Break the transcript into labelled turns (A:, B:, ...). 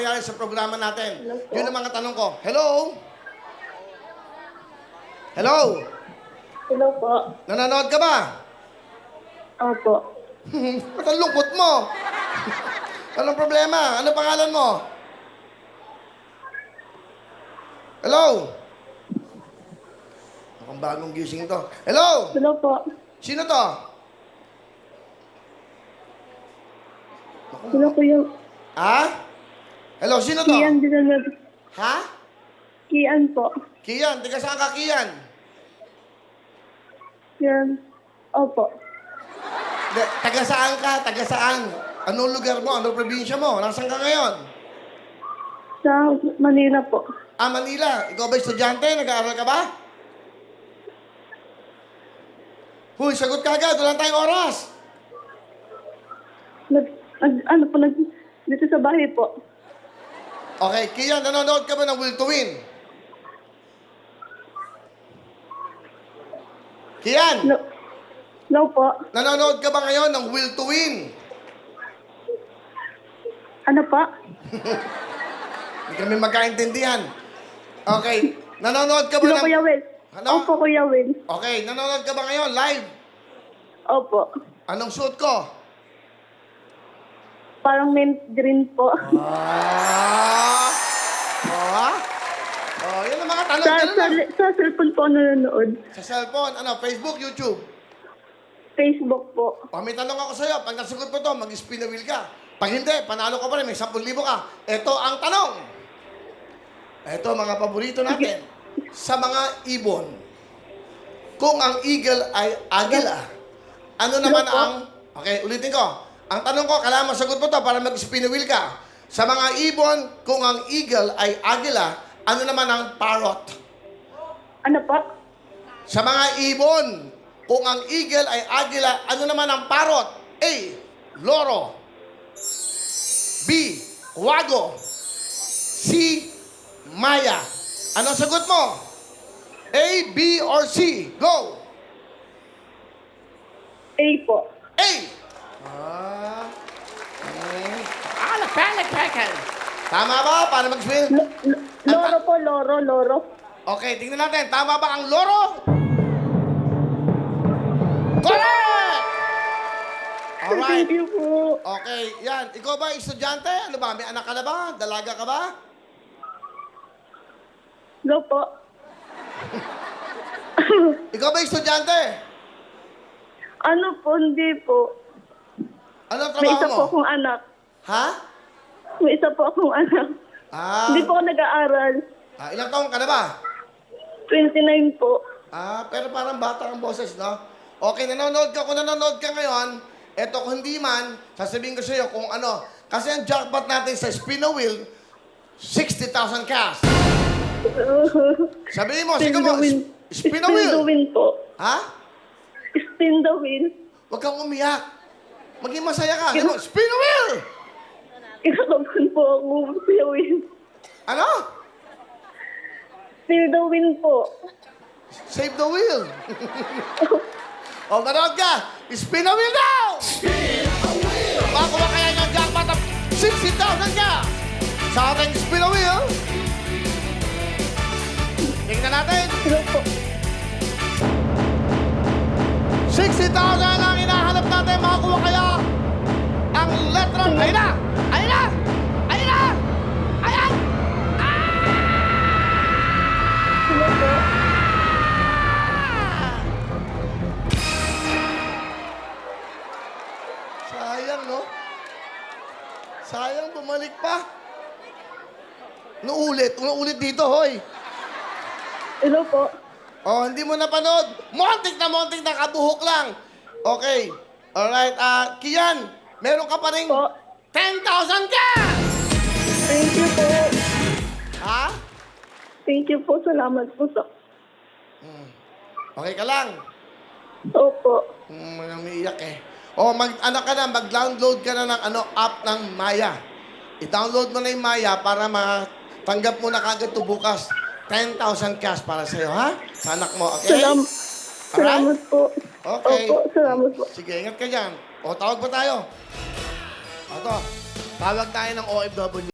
A: nangyayari sa programa natin.
B: Hello po.
A: Yun ang mga tanong ko. Hello? Hello?
B: Hello po.
A: Nanonood ka ba?
B: Opo.
A: Ba't ang lungkot mo? Anong problema? Ano pangalan mo? Hello? Akong bagong gising to. Hello?
B: Hello po.
A: Sino to?
B: Hello Kuya.
A: Ha? Hello, sino to?
B: Kian Dinalab.
A: Ha?
B: Kian po.
A: Kian, tiga saan ka, Kian?
B: Kian. Opo.
A: Taga saan ka? Taga saan? Anong lugar mo? Anong probinsya mo? Nasaan ka ngayon?
B: Sa Manila po.
A: Ah, Manila. Ikaw ba estudyante? Nag-aaral ka ba? Huy, sagot ka agad. Wala tayong oras.
B: Dito sa bahay po.
A: Okay, Kian, nanonood ka ba ng Will to Win? Kian,
B: Hello po.
A: nanonood ka ba ngayon ng Will to Win?
B: Ano pa?
A: Hindi kami magkaintindihan. Okay, nanonood ka ba
B: Hello
A: ng...
B: Kuya Will.
A: Ano?
B: Opo Kuya Will.
A: Okay, nanonood ka ba ngayon live?
B: Opo.
A: Anong suot ko?
B: Parang mint green po.
A: Ah! Oh, oh, yun ang mga tanong. Ganun lang.
B: Sa cellphone po nanonood.
A: Sa cellphone, ano, Facebook, YouTube.
B: Facebook po.
A: O, may tanong ako sa'yo. Pag nasagot mo to, mag-spin the wheel ka. Pag hindi, panalo ka pa rin, may 10,000 ka. Ito ang tanong. Ito, mga paborito natin. Sa mga ibon, kung ang eagle ay agila, ano naman
B: po?
A: ang... Okay, ulitin ko. Ang tanong ko, kailangan masagot mo to para mag-spin the wheel ka. Sa mga ibon, kung ang eagle ay agila, ano naman ang parrot?
B: Ano pa?
A: Sa mga ibon, kung ang eagle ay agila, ano naman ang parrot? A. Loro. B. Wago. C. Maya. Anong sagot mo? A, B, or C? Go!
B: A po.
A: A! Tama ba? Para mag-spin?
B: Loro po, loro.
A: Okay, tingnan natin. Tama ba ang loro? Correct! Alright.
B: Thank you po.
A: Okay, yan. Ikaw ba estudyante? Ano ba? May anak ka na ba? Dalaga ka ba?
B: Hello po.
A: Ikaw ba estudyante?
B: Ano po, hindi po.
A: Ano ang
B: May
A: trabaho
B: isa
A: mo?
B: po akong anak.
A: Ha?
B: May isa po akong anak.
A: Ah,
B: Hindi po ako nag-aaral.
A: Ilang taong ka na ba?
B: 29 po.
A: Ah, pero parang bata ang boses, no? Okay, nanonood ka. Kung nanonood ka ngayon, eto kung hindi man, sasabihin ko sa iyo kung ano. Kasi ang jackpot natin sa spin the wheel, 60,000 cash. Sabihin mo, sige mo, spin the
B: Spin the
A: wheel.
B: wheel po.
A: Ha?
B: Spin the wheel.
A: Huwag kang umiyak. Maging masaya ka. Ano? Spin the wheel!
B: Kinakabahan po ako. Kuya Will.
A: Ano?
B: Spin the wheel po.
A: Save the wheel. O, manood ka. Spin the wheel now! Spin the wheel! Makuha kaya ng jackpot ng 60,000 ka sa ating spin the wheel. Tingnan natin.
B: Hello po.
A: 60,000 ang hinahanap natin. Makakuha kaya ang letra. Ayun na! Ayun na! Ayun na! Ayan!
B: Hello po.
A: Sayang, no? Sayang, bumalik pa. Ulit dito, hoy.
B: Hello po.
A: Oh, hindi mo napanood. Montik na kabuhok lang. Okay. Alright, Kian, meron ka pa rin
B: Po.
A: 10,000 ka!
B: Thank you po.
A: Ha?
B: Thank you po. Salamat po sa...
A: Okay ka lang.
B: Opo.
A: Umiiyak eh. Oh, mag-download ka na ng app ng Maya. I-download mo na yung Maya para matanggap mo na kagad to bukas. 10,000 cash para sa'yo, ha? Sa anak mo, okay?
B: Salamat po.
A: Okay.
B: Opo, salamat po.
A: Sige, ingat ka dyan. O, tawag pa tayo. Tawag tayo ng OFW.